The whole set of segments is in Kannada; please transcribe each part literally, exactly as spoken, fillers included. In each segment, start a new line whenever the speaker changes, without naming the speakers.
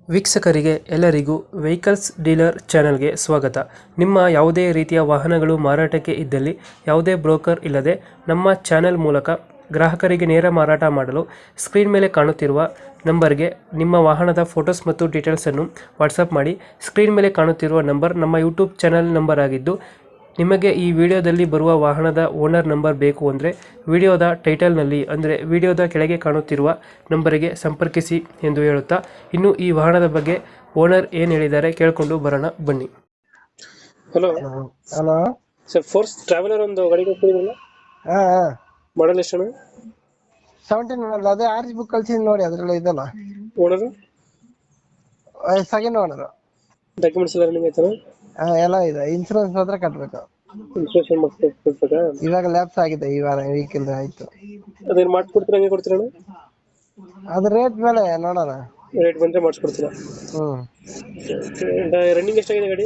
ವೀಕ್ಷಕರಿಗೆ ಎಲ್ಲರಿಗೂ ವೆಹಿಕಲ್ಸ್ ಡೀಲರ್ ಚಾನೆಲ್ಗೆ ಸ್ವಾಗತ. ನಿಮ್ಮ ಯಾವುದೇ ರೀತಿಯ ವಾಹನಗಳು ಮಾರಾಟಕ್ಕೆ ಇದ್ದಲ್ಲಿ ಯಾವುದೇ ಬ್ರೋಕರ್ ಇಲ್ಲದೆ ನಮ್ಮ ಚಾನೆಲ್ ಮೂಲಕ ಗ್ರಾಹಕರಿಗೆ ನೇರ ಮಾರಾಟ ಮಾಡಲು ಸ್ಕ್ರೀನ್ ಮೇಲೆ ಕಾಣುತ್ತಿರುವ ನಂಬರ್ಗೆ ನಿಮ್ಮ ವಾಹನದ ಫೋಟೋಸ್ ಮತ್ತು ಡೀಟೇಲ್ಸನ್ನು ವಾಟ್ಸಪ್ ಮಾಡಿ. ಸ್ಕ್ರೀನ್ ಮೇಲೆ ಕಾಣುತ್ತಿರುವ ನಂಬರ್ ನಮ್ಮ ಯೂಟ್ಯೂಬ್ ಚಾನೆಲ್ ನಂಬರ್ ಆಗಿದ್ದು, ನಿಮಗೆ ಈ ವಿಡಿಯೋದಲ್ಲಿ ಬರುವ ವಾಹನದ ಓನರ್ ನಂಬರ್ ಬೇಕು ಅಂದರೆ ವಿಡಿಯೋದ ಟೈಟಲ್ನಲ್ಲಿ ಅಂದರೆ ವಿಡಿಯೋದ ಕೆಳಗೆ ಕಾಣುತ್ತಿರುವ ನಂಬರಿಗೆ ಸಂಪರ್ಕಿಸಿ ಎಂದು ಹೇಳುತ್ತಾ, ಇನ್ನು ಈ ವಾಹನದ ಬಗ್ಗೆ ಓನರ್ ಏನು ಹೇಳಿದ್ದಾರೆ ಕೇಳಿಕೊಂಡು ಬರೋಣ ಬನ್ನಿ. Hello
hello
sir, Force Traveller ಒಂದು ಗಾಡಿ ಕೊಟ್ಟಿದ್ರಲ್ಲ,
ಹಾ
ಮಾಡಲ್ ಎಷ್ಟು?
ಸೆವೆಂಟೀನ್ ಅದೇ ಆರ್ ಜಿ ಬುಕ್ ಕಳ್ಸಿದ್ ನೋಡಿ, ಅದ್ರಲ್ಲಿ ಇದಲ್ಲ.
Owner
second owner.
ಡಾಕ್ಯುಮೆಂಟ್ಸ್ ಎಲ್ಲ ರನ್ನಿಂಗ್ ಆಯ್ತಾನ?
ಎಲ್ಲ ಇದೆ, ಇನ್ಸೂರೆನ್ಸ್ ಮಾತ್ರ ಕಟ್ಬೇಕು.
ಇನ್ಸ್ಟೇಷನ್ ಮಾಡಿಸ್ಬೇಕಾ?
ಇವಾಗ ಲ್ಯಾಪ್ಸ್ ಆಗಿದೆ, ಈ ವಾರ ವೀಕೆಂಡ್ ಆಯ್ತು.
ಅದೇನು ಮಾಡಿಸ್ಕೊಡ್ತೀರಾ? ಹಂಗೆ ಕೊಡ್ತೀರಣ್ಣ?
ಅದ್ರ ರೇಟ್ ಮೇಲೆ ನೋಡೋಣ.
ರೇಟ್ ಬಂದರೆ ಮಾಡಿಸ್ಕೊಡ್ತೀರಾ?
ಹ್ಮ್.
ರನ್ನಿಂಗ್ ಎಷ್ಟಾಗಿದೆ ಗಾಡಿ?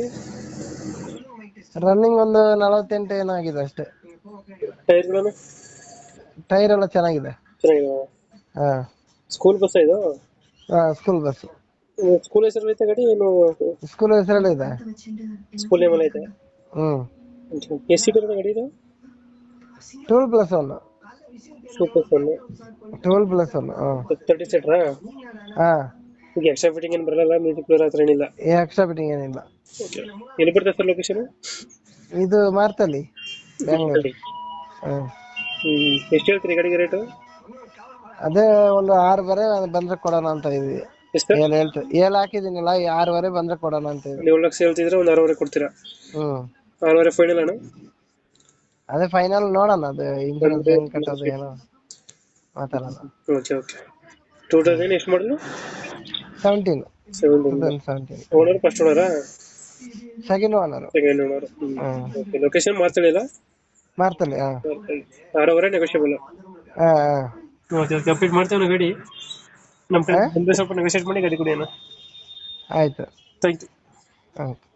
ರನ್ನಿಂಗ್ ಒಂದು ನಲವತ್ತೆಂಟು ಏನಾಗಿದೆ ಅಷ್ಟೇ.
ಟೈರ್ಗಳನ್ನು?
ಟೈರ್ ಎಲ್ಲ ಚೆನ್ನಾಗಿದೆ.
ಚೆನ್ನಾಗಿದೆ.
ಹಾ.
ಸ್ಕೂಲ್ ಬಸ್ ಇದು?
ಹಾ, ಸ್ಕೂಲ್ ಬಸ್.
ಸ್ಕೂಲ್ ಹೆಸರಲ್ಲಿ ಐತೆ ಗಾಡಿ ಏನು?
ಸ್ಕೂಲ್ ಹೆಸರಲ್ಲಿ ಇದೆ.
ಸ್ಕೂಲ್ ನೇಮ್ ಐತೆ?
ಹ್ಮ್.
ಎಷ್ಟು ಸೀಟರ್ ಗಾಡಿ ಇದು?
Twelve plus one.
Super one.
Twelve plus one.
Thirty ಸೀಟರಾ?
ಹಾ.
ಈಗ ಎಕ್ಸ್ಟ್ರಾ ಫಿಟ್ಟಿಂಗ್ ಏನು ಬರಲ್ಲ, ಮ್ಯೂಸಿಕ್ ಪ್ಲೇಯರ್ ಹತ್ರ ಏನಿಲ್ಲ?
ಎಕ್ಸ್ಟ್ರಾ ಫಿಟ್ಟಿಂಗ್ ಏನಿಲ್ಲ.
ಎಲ್ಲಿ ಬರ್ತದೆ ಸರ್ ಲೊಕೇಶನ್?
ಇದು ಮಾರ್ತಲ್ಲಿ, ಬೆಂಗಳೂರು. ಹ್ಮ್.
ಹ್ಮ್. ಎಷ್ಟು ಹೇಳ್ತೀರಿ ಗಾಡಿಗೆ ರೇಟು?
ಅದೇ ಒಂದು ಆರೂವರೆ ಬಂದ್ರೆ ಕೊಡೋಣ ಅಂತ ಇದೀವಿ.
ಎಷ್ಟು?
ಏಳು ಹೇಳ್ತೀವಿ, ಏಳು ಹಾಕಿದೀನಿಲ್ಲ, ಆರೂವರೆ ಬಂದ್ರೆ ಕೊಡೋಣ ಅಂತ ಇದೀವಿ.
ನೀವು ಲಕ್ಷ ಹೇಳ್ತಿದ್ರೆ ಒಂದು ಆರೂವರೆ ಕೊಡ್ತೀರಾ?
ಹ್ಮ್.
ಆರೂವರೆ ಫೈನಲ್ ಅಣ್ಣ?
ಅದೇ ಫೈನಲ್ ನೋಡೋಣ, ಅದು ಇನ್ಸೂರೆನ್ಸ್ ಹೆಂಗ್ ಕಟ್ಟೋದು ಏನೋ ಮಾತಾಡೋಣ.
Okay okay. ಟೂ ತೌಸಂಡ್ ಎಷ್ಟು ಮಾಡಲು?
Seventeen.
Seventeen.
Seventeen.
Owner first ಓನರಾ?
Second owner.
Second owner. Okay. Location ಮಾತಾಡಿಲ್ಲ?
ಮಾರ್ತಲ್ಲಿ. ಹಾ.
ಆರೂವರೆ ನೆಗೋಷಿಯಬಲ್?
ಹಾ.
Okay okay. ಅಪ್ಡೇಟ್ ಮಾಡ್ತೇವೆ ಗಾಡಿ. ನಮ್ಮ ಕಡೆ ಬಂದರೆ ಸ್ವಲ್ಪ ನೆಗೋಷಿಯೇಟ್ ಮಾಡಿ ಗಾಡಿ ಕೊಡಿ ಅಣ್ಣ.
ಆಯ್ತು.
Thank you.
ಆಯ್ತು.